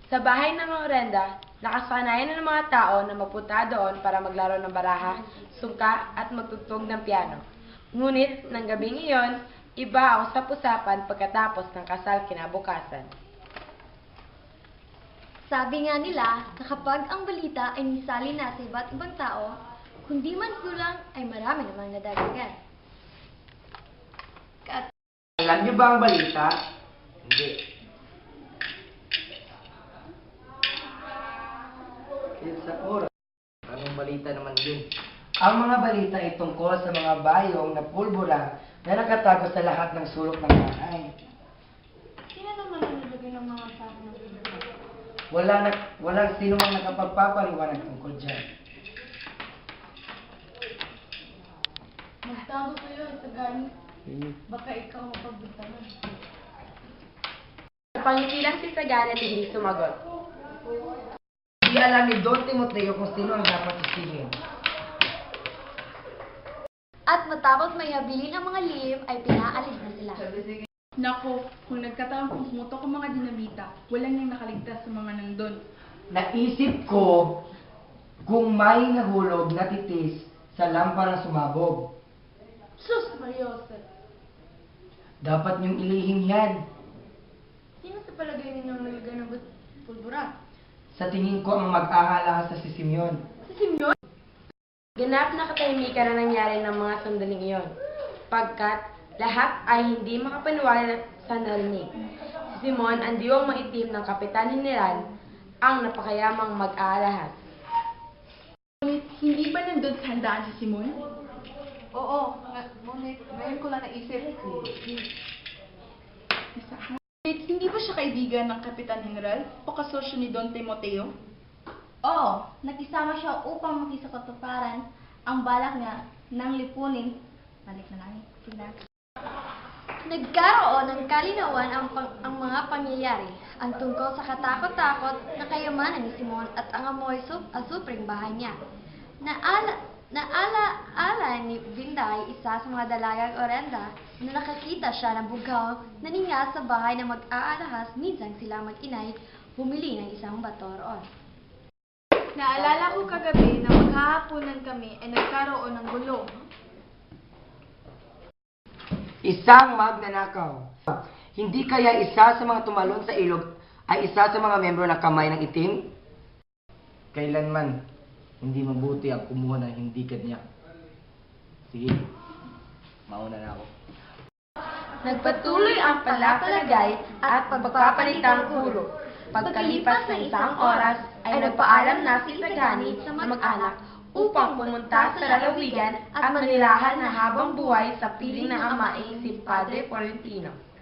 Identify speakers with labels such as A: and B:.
A: Sa bahay ng Orenda, nakasanayan na ng mga tao na mapunta doon para maglaro ng baraha, sungka at magtugtog ng piano. Ngunit, ng gabing iyon, iba ang usap-usapan pagkatapos ng kasal kinabukasan.
B: Sabi nga nila na kapag ang balita ay nisali na sa iba't ibang tao, kundi man kulang ay marami namang nadagdagan.
C: Alam niyo ba ang balita? Hindi. Sa oras. Anong balita naman yun? Ang mga balita ay tungkol sa mga bayong na pulbura na nakatago sa lahat ng sulok ng bahay.
B: Sino naman ang nilagay ng mga sako ng pulbura?
C: Walang sino mang nakapagpapaliwanag tungkol dyan.
B: Magtago kayo sa ganit. Baka ikaw mapagbintangan.
A: Napangitilang si Sagana at hindi sumagot.
C: Hindi alam ni Don Timoteo kung sino ang dapat sisihin.
B: At matapos may habilin ang mga lihim ay pinaalis na sila.
D: Nako, kung nagkataon kung pumutok ang mga dinamita, walang nang nakaligtas sa mga nandun.
C: Naisip ko kung may nahulog na titis sa lampara sumabog.
B: Sus, Mariosep!
C: Dapat niyong ilihim yan.
B: Sino sa palagay ninyong nalagay ng pulbura?
C: Sa tingin ko ang mag-ahalahas sa si Simeon.
B: Si Simeon?
A: Ganap na katahimikan na nangyari ng mga sandaling iyon, pagkat lahat ay hindi makapaniwala sa narinig. Si Simon, ang diwang maitim ng Kapitan General, ang napakayamang mag-aalahas.
D: Ngunit, hindi ba nandun sa handaan si Simon?
E: Oo, ngunit ngayon ko lang naisip.
D: Ngunit, hindi ba siya kaibigan ng Kapitan General o kasosyo ni Don Timoteo?
B: Oo, nakisama siya upang makisakatuparan ang balak niya ng lipunin. Balik na namin. Tingnan. Nagkaroon ng kalinawan ang mga pangyayari ang tungkol sa katakot-takot na kayamanan ni Simon at ang amoy asupring bahay niya. Naala ni Vinday, isa sa mga dalagang Orenda, na nakakita siya ng bugaw na ninga sa bahay na mag-aalahas. Minsan silang mag-inay bumili ng isang bato roon.
E: Naalala ko kagabi na maghahaponan kami ay nagkaroon ng gulo.
C: Isang magnanakaw. Hindi kaya isa sa mga tumalon sa ilog ay isa sa mga membro ng Kamay ng Itim? Kailanman, hindi mabuti ang kumuha ng hindi kanya. Sige, mauna na ako.
A: Nagpatuloy ang palapalagay at pagpapalitang puro. Pagkalipas ng isang oras, ay nagpaalam na si Sagani sa mag-anak upang pumunta sa lalawigan at manilahan na habang buhay sa piling ng amaing si Padre Florentino.